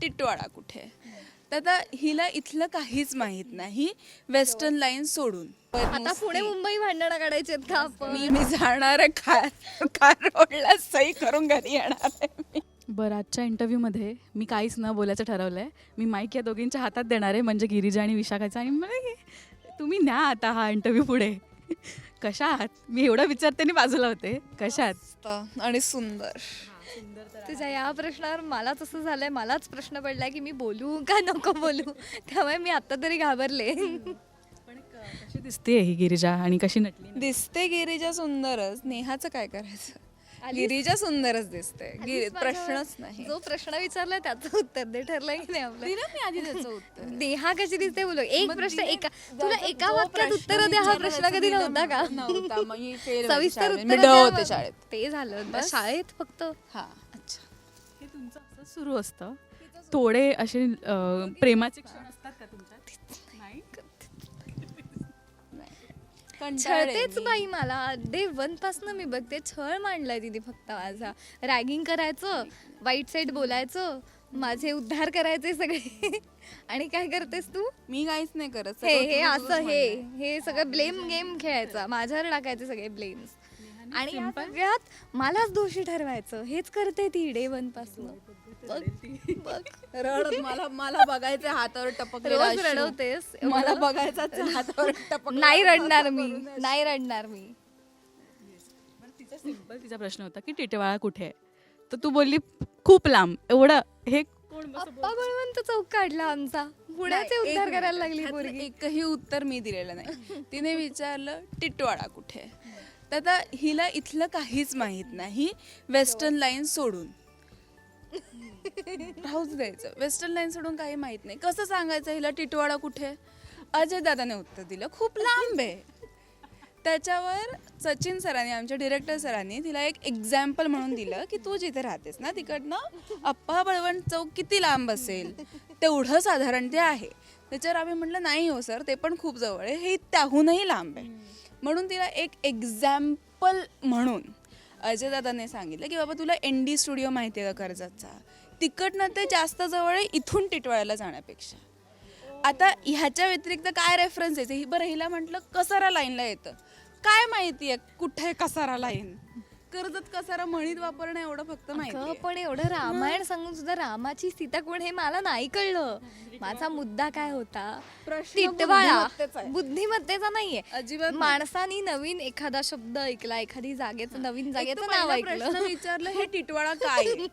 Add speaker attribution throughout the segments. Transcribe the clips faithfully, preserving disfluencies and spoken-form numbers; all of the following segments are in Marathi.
Speaker 1: टिटवाळा कुठे. तर आता हिला इथलं काहीच माहीत नाही वेस्टर्न लाईन सोडून.
Speaker 2: आता पुणे मुंबई भांडणं काढायची आहेत का आपण?
Speaker 1: मी मी जाणार आहे कार कार रोडला सही करून घरी येणार आहे मी.
Speaker 3: बरं, आजच्या इंटरव्ह्यूमध्ये मी काहीच न बोलायचं ठरवलं आहे. मी माईक या दोघींच्या हातात देणार आहे, म्हणजे गिरिजा आणि विशाखाचा. आणि मला तुम्ही न्या आता हा इंटरव्ह्यू पुढे. कशा आहात? मी एवढं विचारते आणि बाजूला होते. कशा आहात?
Speaker 1: मस्त आणि सुंदर.
Speaker 2: तुझ्या या प्रश्नावर मलाच असं झालंय, मलाच प्रश्न पडलाय की मी बोलू का नको बोलू. त्यामुळे मी आता तरी घाबरले.
Speaker 3: पण कशी दिसते ही गिरिजा आणि कशी नटली?
Speaker 1: दिसते गिरिजा सुंदरच. नेहाचं काय करायचं? गिरिजा सुंदरच दिसते. गिरी प्रश्नच नाही.
Speaker 2: जो प्रश्न विचारलाय त्याचं उत्तर दे. ठरलंय की नाही आपलं?
Speaker 1: दिलं मी आधी त्याचं उत्तर.
Speaker 2: नेहा कशी दिसते बोलू. एक
Speaker 1: मग
Speaker 2: प्रश्न
Speaker 1: दिलं.
Speaker 2: एका तुला
Speaker 1: जो
Speaker 2: एका वाक्यात
Speaker 1: प्रश्न
Speaker 2: उत्तर द्या हा
Speaker 1: विचारला
Speaker 2: प्रश्न
Speaker 1: त्याचं
Speaker 2: कधी
Speaker 1: दिलं
Speaker 2: नव्हता का?
Speaker 1: नव्हता. मग मी fail होते
Speaker 2: सविस्तर
Speaker 1: शाळेत.
Speaker 2: उत्तर
Speaker 1: मी ड होते शाळेत.
Speaker 2: ते झालं
Speaker 1: बस.
Speaker 2: शाळेत फक्त.
Speaker 1: हा अच्छा.
Speaker 3: हे तुमचं असं सुरू असतं? थोडे असे अं, प्रेमाचे क्षण असतात का तुमच्यात? नाही.
Speaker 2: छळतेच बाई मला. डे वन पासन मी बघते छळ मांडलाय तिने फक्त माझा. रॅगिंग करायचं, वाईट साईड बोलायचं, माझे उद्धार करायचे सगळे. आणि काय करतेस तू?
Speaker 1: मी काहीच नाही करत.
Speaker 2: हे
Speaker 1: सगळं
Speaker 2: हे
Speaker 1: तुझं
Speaker 2: असं
Speaker 1: तुझंच
Speaker 2: हे
Speaker 1: म्हणणं
Speaker 2: हे सगळं ब्लेम गेम खेळायचा, माझ्यावर टाकायचे सगळे ब्लेम्स. आणि या
Speaker 3: simple.
Speaker 2: सगळ्यात मलाच दोषी ठरवायचं. हेच करते ती डे वन पासन. बघ बघ
Speaker 1: आहे. रड मला मला बघायचं हातावर टपकलेला
Speaker 2: रोज
Speaker 1: अश्रू.
Speaker 2: रडवतेस.
Speaker 1: मला बघायचा हातावर टपक.
Speaker 2: नाही रडणार मी, नाही रडणार मी.
Speaker 3: तिचा सिंपल तिचा प्रश्न होता की टिटवाळा कुठे आहे? तर तू बोलली खूप लांब. एवढं हे कोण बस-
Speaker 2: अप्पा बळवंत चौक काढला आमचा. पुण्याचे
Speaker 1: नाही, एक
Speaker 2: उद्धार
Speaker 1: मिनिट.
Speaker 2: करायला लागली
Speaker 1: ह्यातलं
Speaker 2: पोरगी.
Speaker 1: एकही उत्तर मी दिलेलं नाही. तिने विचारलं टिटवाळा कुठे. तर आता हिला इथलं काहीच माहीत नाही वेस्टर्न लाईन सोडून. राहूच द्यायचं. वेस्टर्न लाईन सोडून काही माहित नाही. कसं सांगायचं हिला टिटवाळा कुठे? अजय दादाने उत्तर दिलं खूप लांब आहे. त्याच्यावर सचिन सरांनी, आमच्या डिरेक्टर सरांनी तिला एक एक्झाम्पल म्हणून दिलं की तू जिथे राहतेस ना तिकडनं अप्पा बळवंत चौक किती लांब असेल तेवढं साधारण ते आहे. त्याच्यावर आम्ही म्हटलं नाही हो सर, ते पण खूप जवळ आहे, हे त्याहूनही लांब आहे. म्हणून तिला एक एक्झाम्पल म्हणून अजयदादाने सांगितलं की बाबा तुला एन डी स्टुडिओ माहिती आहे का कर्जतचा, तिकडनं ते जास्त जवळ आहे इथून टिटवाळ्याला जाण्यापेक्षा. आता ह्याच्या व्यतिरिक्त काय रेफरन्स यायचं? ही बरं हिला म्हटलं कसारा लाईनला येतं, काय माहिती आहे कुठे कसारा लाईन? कर्जत कसारा म्हणीत वापरणं एवढं फक्त माहिती
Speaker 2: अगं,
Speaker 1: आहे.
Speaker 2: पण एवढं रामायण सांगून सुद्धा रामाची सीता कोण हे मला नाही कळलं. माझा मुद्दा काय होता?
Speaker 1: प्रश्न
Speaker 2: टिटवाळा
Speaker 1: बुद्धिमत्तेचा आहे.
Speaker 2: बुद्धिमत्तेचा नाहीये.
Speaker 1: अजिबात नाही.
Speaker 2: माणसानी नवीन एखादा शब्द ऐकला, एखादी जागेचं नवीन
Speaker 1: एक
Speaker 2: जागेचं
Speaker 1: तर
Speaker 2: नाव
Speaker 1: पहिला प्रश्न
Speaker 2: ऐकलं.
Speaker 1: विचारलं हे टिटवाळा काय आहे?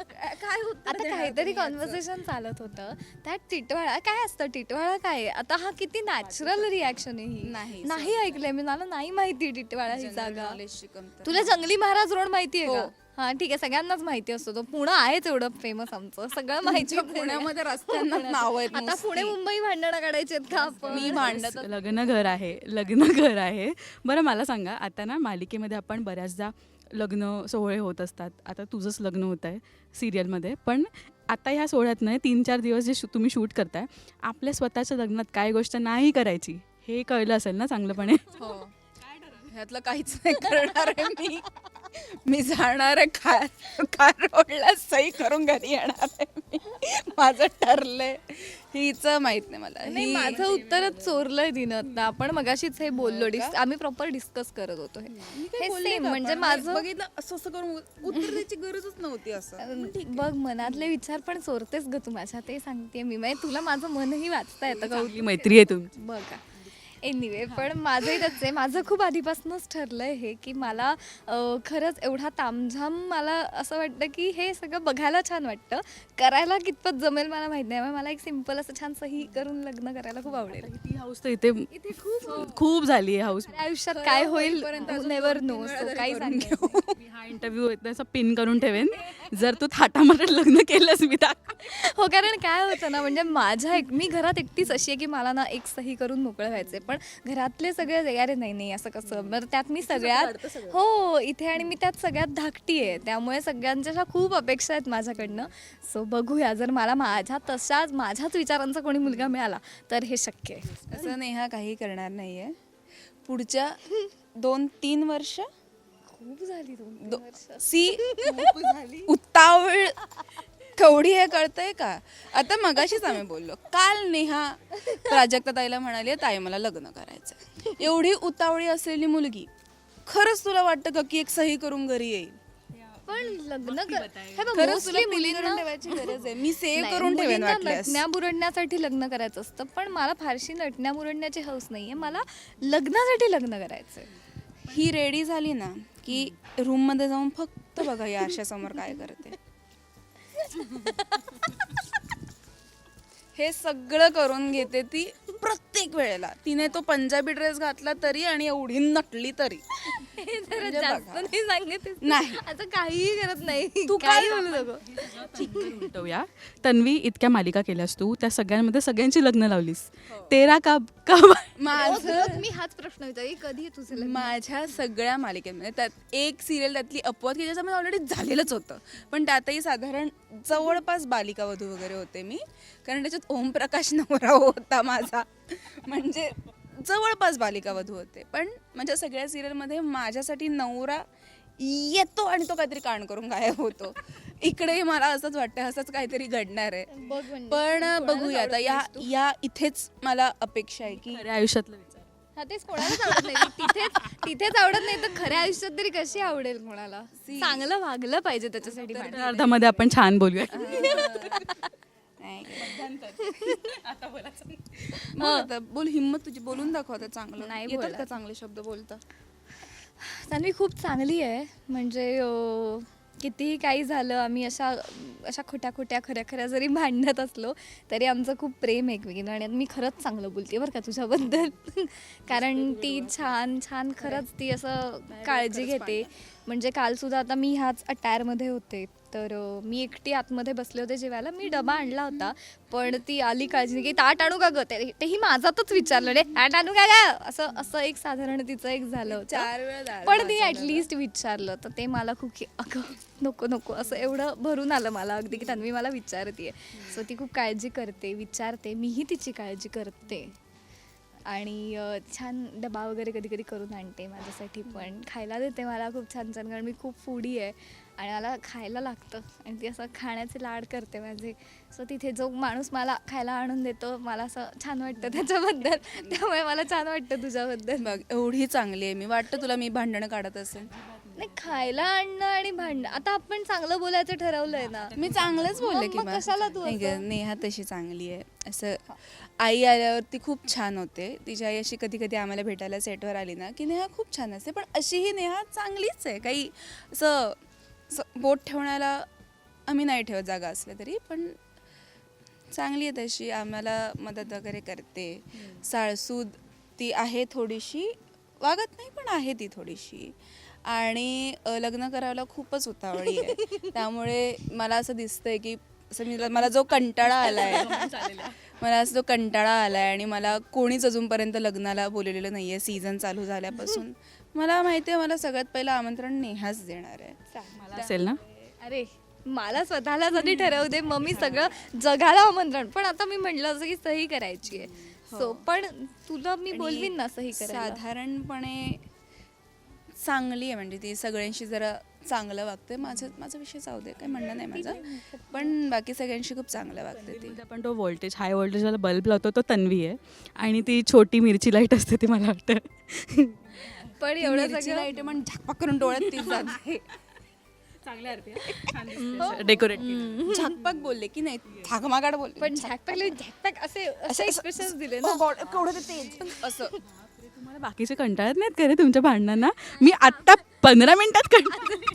Speaker 1: काय उत्तर
Speaker 2: आता
Speaker 1: देणार
Speaker 2: काहीतरी
Speaker 1: तुम्ही याचं?
Speaker 2: कॉन्व्हर्सेशन चालत होतं त्यात टिटवाळा काय असतं, टिटवाळा काय आहे? आता हा किती नॅचरल रिॲक्शन आहे ही.
Speaker 1: नाही,
Speaker 2: नाही ऐकलंय मी, मला नाही माहिती टिटवाळा ही
Speaker 1: जनरल
Speaker 2: जागा.
Speaker 1: नॉलेजची कमतरता.
Speaker 2: तुला जंगली महाराज रोड माहिती आहे का?
Speaker 1: हो.
Speaker 2: हा ठीक आहे, सगळ्यांनाच माहिती असतो तो. पुणे आहेच एवढं फेमस आमचं, सगळं माहिती
Speaker 1: तुमच्या पुण्यामध्ये रस्त्यांना नाव आहेत
Speaker 2: आता
Speaker 1: नुसती.
Speaker 2: पुणे मुंबई भांडणं काढायची आहेत का आपण?
Speaker 1: मी भांडत
Speaker 3: लग्न घर आहे, लग्न घर आहे. बरं मला सांगा, आता ना मालिकेमध्ये आपण बऱ्याचदा लग्न सोहळे होत असतात. आता तुझंच लग्न होत आहे सिरियलमध्ये, पण आता ह्या सोहळ्यात नाही तीन चार दिवस जे शू तुम्ही शूट करताय, आपल्या स्वतःच्या लग्नात काय गोष्ट नाही करायची हे कळलं असेल ना चांगलंपणे?
Speaker 1: हो. ह्यातलं काहीच नाही करणार आहे मी. मी जाणार आहे कार कार रोडला सही करून घरी येणार आहे मी. माझं ठरलंय. हिचं माहित नाही मला.
Speaker 2: नाही,
Speaker 1: ही-
Speaker 2: माझं उत्तरच चोरलंय तिनं आता. आपण मगाशीच हे बोललो, डिस आम्ही प्रॉपर डिस्कस करत होतो हे.
Speaker 1: मी काय
Speaker 2: हे
Speaker 1: बोलले
Speaker 2: सेम
Speaker 1: का
Speaker 2: म्हणजे
Speaker 1: आपण?
Speaker 2: माझं
Speaker 1: बघितलं असं असं करून उत्तर द्यायची गरजच नव्हती असं.
Speaker 2: बघ, मनातले विचार पण चोरतेस ग तू माझ्या, ते सांगते मी. म्हणजे तुला माझं मनही वाचता येतं का?
Speaker 3: चांगली मैत्री आहे तुमची.
Speaker 2: बघा एनिवे, पण माझंही त्याच आहे. माझं खूप आधीपासूनच ठरलंय हे की मला अं, खरंच एवढा तामझाम मला असं वाटतं की हे सगळं बघायला छान वाटतं. करायला कितपत जमेल मला माहित नाही. मला एक सिम्पल असं छान सही करून लग्न करायला खूप आवडेल.
Speaker 3: ती हाऊस तर इथे
Speaker 2: इथे खूप
Speaker 3: खूप झाली आहे हाऊस.
Speaker 2: माझ्या आयुष्यात काय होईल
Speaker 1: होईपर्यंत अजून
Speaker 2: नेवर
Speaker 1: दोन-तीन
Speaker 2: नो.
Speaker 1: वेळा
Speaker 2: सो
Speaker 1: तरी
Speaker 2: काही
Speaker 1: करून
Speaker 2: सांगेल.
Speaker 3: मी हा इंटरव्ह्यू असं पिन करून ठेवेन, जर तू थाटामाटात लग्न केलंस मी तर.
Speaker 2: हो, कारण काय होतं ना, म्हणजे माझ्या एक मी घरात एकटीच अशी आहे की मला ना एक सही करून मोकळं व्हायचंय, पण घरातले सगळे अरे नाही नाही असं कसं. बरं त्यात मी सगळ्यात हो इथे आणि मी त्यात सगळ्यात धाकटी आहे, त्यामुळे सगळ्यांच्या अशा खूप अपेक्षा आहेत माझ्याकडनं. सो बघूया, जर मला माझ्या तशाच माझ्याच विचारांचा कोणी मुलगा मिळाला तर हे शक्य आहे.
Speaker 1: असं नेहा काही करणार नाहीये. पुढच्या दोन तीन वर्ष
Speaker 2: खूप झाली दोन
Speaker 1: दो- सी उतावळ कवडी हे कळतंय का? आता मगाशीच आम्ही बोललो, काल नेहा प्राजक्ता ताईला म्हणाली ताई मला लग्न करायचं. एवढी उतावळी असलेली मुलगी खरंच तुला वाटतं का की एक सही करून घरी येईल?
Speaker 2: पण लग्न कर हे बघ,
Speaker 1: खरंच
Speaker 2: mostly
Speaker 1: तुला pin
Speaker 2: मुलींना-
Speaker 1: करून ठेवायची गरज आहे. मी सेव्ह
Speaker 2: नाही,
Speaker 1: करून ठेवेन
Speaker 2: मुलींना
Speaker 1: वाटल्यास.
Speaker 2: नटण्या बुरडण्यासाठी लग्न करायचं असतं, पण मला फारशी नटण्या बुरडण्याची हौस नाहीये. मला लग्नासाठी लग्न करायचंय.
Speaker 1: ही रेडी झाली ना की रूम मध्ये जाऊन फक्त बघा या आरशासमोर काय करते. हे सगळं करून घेते ती प्रत्येक वेळेला. तिने तो पंजाबी ड्रेस घातला तरी आणि एवढी नटली तरी.
Speaker 2: हे जरा
Speaker 1: म्हणजे
Speaker 2: जास्त
Speaker 1: बघा.
Speaker 2: नाही सांगत
Speaker 1: नाही.
Speaker 2: आता काहीही करत नाही.
Speaker 1: तू
Speaker 2: काही
Speaker 1: काय-
Speaker 2: बोलू नको.
Speaker 3: उलटवूया. तन्वी, इतक्या मालिका केल्यास तू, त्या सगळ्यांमध्ये सगळ्यांची लग्न लावलीस. तेरा का का
Speaker 2: रोज-
Speaker 1: माझं
Speaker 2: रोज मी हाच प्रश्न विचारते, कधी आहे तुझं लग्न?
Speaker 1: माझ्या सगळ्या मालिकेमध्ये त्यात एक सिरियल त्यातली अपवाद की ज्याच्यामध्ये ऑलरेडी झालेलंच होतं, पण त्यातही साधारण जवळपास बालिका वधू वगैरे होते मी, कारण त्याच्यात ओमप्रकाश नवरा होता माझा, म्हणजे जवळपास बालिका वधू होते. पण माझ्या सगळ्या सिरियलमध्ये माझ्यासाठी नवरा येतो आणि तो काहीतरी कांड करून गायब होतो. इकडेही मला असंच वाटतं, असंच काहीतरी घडणार आहे.
Speaker 2: बघ म्हणजे,
Speaker 1: पण
Speaker 2: कोणालाच
Speaker 1: बघूया आता
Speaker 2: आवडत
Speaker 1: या
Speaker 2: नाहीस तू.
Speaker 1: या इथेच मला अपेक्षा आहे की
Speaker 3: खऱ्या आयुष्यातलं विचार.
Speaker 2: हा तेच कोणालाच आवडत नाही. तिथेच तिथेच आवडत नाही तर खऱ्या आयुष्यात तरी कशी आवडेल कोणाला? चांगलं वागलं पाहिजे त्याच्यासाठी
Speaker 3: तर
Speaker 2: माणसाने.
Speaker 3: अर्धामध्ये आपण छान बोलूया.
Speaker 1: नाही. बोल आता, बोल, हिम्मत तुझी, बोलून दाखव आता चांगलं.
Speaker 2: नाही
Speaker 1: येतात
Speaker 2: बोलत.
Speaker 1: का चांगले शब्द बोलता?
Speaker 2: तन्वी खूप चांगली आहे. म्हणजे अं, कितीही काही झालं, आम्ही अशा अशा खोट्या खोट्या खऱ्या खऱ्या जरी भांडत असलो तरी आमचं खूप प्रेम एकमेकींना, आणि मी खरंच चांगलं बोलते बरं का तुझ्याबद्दल. कारण ती छान छान खरंच ती असं काळजी घेते. म्हणजे कालसुद्धा आता मी ह्याच अटायरमध्ये होते, तर अं, मी एकटी आतमध्ये बसले होते जेवायला. मी डबा आणला होता, पण ती आली काळजी की ताट आणू का गं? ते- तेही माझातच विचारलं, रे ताट आणू का गं? असं असं एक साधारण तिचं एक झालं होतं.
Speaker 1: चार वेळा डाळ
Speaker 2: पण
Speaker 1: भात
Speaker 2: तिने
Speaker 1: झालं.
Speaker 2: ॲटलिस्ट विचारलं, तर ते मला खूप की अगं नको नको असं एवढं भरून आलं मला अगदी, की तन्वी मला विचारते. सो ती खूप काळजी करते, विचारते, मीही तिची काळजी करते. आणि अं, छान डबा वगैरे कधी कधी करून आणते माझ्यासाठी, पण खायला देते मला खूप छान छान, कारण मी खूप फूडी आहे आणि मला खायला लागतं, आणि ती असं खाण्याचे लाड करते माझे. सो तिथे जो माणूस मला खायला आणून देतो, मला असं छान वाटतं त्याच्याबद्दल. त्यामुळे मला छान वाटतं तुझ्याबद्दल.
Speaker 1: बघ, एवढी चांगली आहे मी. वाटतं तुला मी भांडणं काढत असेल?
Speaker 2: नाही, खायला आणणं आणि भांडणं, आता आपण चांगलं बोलायचं ठरवलंय ना.
Speaker 1: मी चांगलंच बोलले
Speaker 2: मग-
Speaker 1: की
Speaker 2: मग
Speaker 1: बा-
Speaker 2: कशाला तू
Speaker 1: नाही
Speaker 2: असं?
Speaker 1: गं, नेहा तशी चांगली आहे. असं आई आल्यावरती खूप छान होते. तिची आई अशी कधी कधी आम्हाला भेटायला सेटवर आली ना की नेहा खूप छान असते, पण अशीही नेहा चांगलीच आहे. काही असं असं बोट ठेवण्याला आम्ही नाही ठेवत जागा असल्या तरी, पण चांगली आहे तशी. आम्हाला मदत वगैरे करते. साळसूद ती आहे थोडीशी, वागत नाही पण आहे ती थोडीशी. आणि अ, लग्न करायला खूपच उतावळी आहे. त्यामुळे मला असं दिसतंय की असं मी मला जो कंटाळा आलाय मला असं जो कंटाळा आलाय आणि मला कोणीच अजूनपर्यंत लग्नाला बोललेलं नाही आहे सीझन चालू झाल्यापासून. मला माहिती आहे मला सगळ्यात पहिलं आमंत्रण नेहाच देणार आहे.
Speaker 3: मला असेल ना.
Speaker 2: अरे मला स्वतःला जरी ठरवू दे, मग मी सगळं जगाला आमंत्रण. पण आता मी म्हटलं असं की सही करायची आहे, सो पण तुला मी
Speaker 1: आणि
Speaker 2: बोलवीन ना सही करायला.
Speaker 1: साधारणपणे चांगली आहे, म्हणजे ती सगळ्यांशी जरा चांगलं वागते. माझं माझा विषय जाऊ दे, काही म्हणणं नाही माझं, पण बाकी सगळ्यांशी खूप चांगलं वागते ती.
Speaker 3: मध्ये आपण तो व्होल्टेज हाय व्होल्टेजवाला बल्ब लावतो तो तन्वी आहे, आणि ती छोटी मिरची लाईट असते ती मला वाटतं.
Speaker 2: पण एवढं
Speaker 1: मिरची
Speaker 2: सगळं
Speaker 1: लाईट आहे पण झाकपाक करून डोळ्यात ती जाते.
Speaker 3: डेकोरेट
Speaker 1: झाकपाक बोलले की नाही, थाकमागाड बोलले.
Speaker 2: पण झॅकपॅक झॅकपॅक असे असे एक्सप्रेशन दिले ना.
Speaker 1: Oh God, केवढं ते तेज असं.
Speaker 3: तुम्हाला बाकीचे कंटाळत नाहीत का रे तुमच्या भांडणांना? मी आत्ता पंधरा मिनिटात कंटाळले.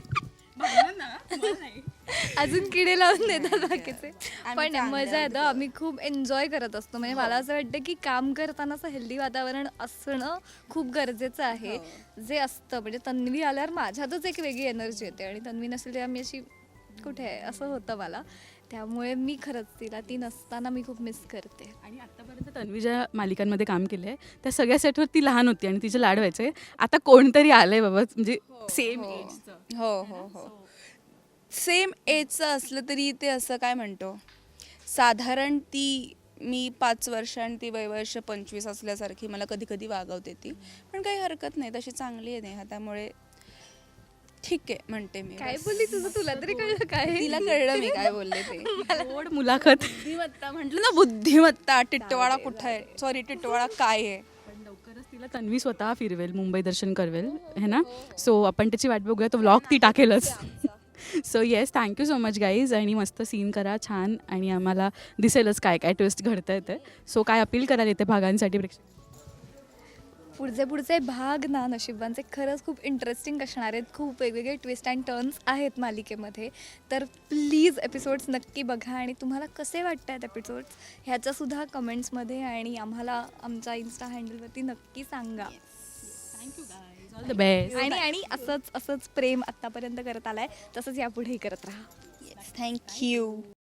Speaker 2: अजून किडे लावून देतात बाकीचे.
Speaker 1: आम्ही
Speaker 2: पण
Speaker 1: चांगले
Speaker 2: मजा
Speaker 1: आहोत.
Speaker 2: येतं, आम्ही खूप एन्जॉय करत असतो. म्हणजे मला असं वाटतं की काम करताना असं हेल्दी वातावरण असणं खूप गरजेचं आहे, जे असतं. म्हणजे तन्वी आल्यावर माझ्यातच एक वेगळी एनर्जी येते, आणि तन्वी नसेल तेव्हा मी अशी कुठे आहे असं होतं मला. त्यामुळे मी खरंच तिला ती नसताना मी खूप मिस करते.
Speaker 3: आणि आत्तापर्यंत तन्वी ज्या मालिकांमध्ये काम केलं आहे त्या सगळ्या सेटवर ती लहान होती आणि तिचे लाड व्हायचे. आता कोणतरी आलंय बाबा, म्हणजे सेम एजचं.
Speaker 1: हो हो हो सेम एजचं असलं तरी ते असं काय म्हणतो, साधारण ती मी पाच वर्ष आणि ती वयवर्ष पंचवीस असल्यासारखी मला कधी कधी वागवते ती, पण काही हरकत नाही, तशी चांगली आहे नेहा. त्यामुळे ठीक आहे म्हणते मी.
Speaker 2: काय बोलली तुझं तुला तरी कळलं काय
Speaker 1: तिला कळलं मी काय बोलले ते.
Speaker 3: गोड मुलाखत.
Speaker 1: बुद्धिमत्ता म्हटलं ना, बुद्धिमत्ता. टिटवाळा कुठं आहे, सॉरी टिटवाळा काय आहे.
Speaker 3: पण लवकरच तिला तन्वी स्वतः फिरवेल, मुंबई दर्शन करवेल है ना. सो आपण त्याची वाट बघूया, तो व्लॉग ती टाकेलच. So yes, thank you so much guys. आणि मस्त सीन करा छान, आणि आम्हाला दिसेलच काय काय ट्विस्ट घडतं येते. सो काय अपील कराल येते भागांसाठी प्रेक्षक?
Speaker 2: पुढचे पुढचे भाग ना नशिबांचे खरंच खूप इंटरेस्टिंग असणार आहेत. खूप वेगवेगळे ट्विस्ट अँड टर्न्स आहेत मालिकेमध्ये. तर प्लीज एपिसोड्स नक्की बघा, आणि तुम्हाला कसे वाटत आहेत एपिसोड्स ह्याच्यासुद्धा कमेंट्समध्ये आणि आम्हाला आमच्या इन्स्टा हँडलवरती नक्की सांगा.
Speaker 3: Thank you guys, all the best.
Speaker 2: आणि आणि असंच असंच प्रेम आत्तापर्यंत करत आलाय, तसंच यापुढेही करत राहा.
Speaker 1: थँक्यू.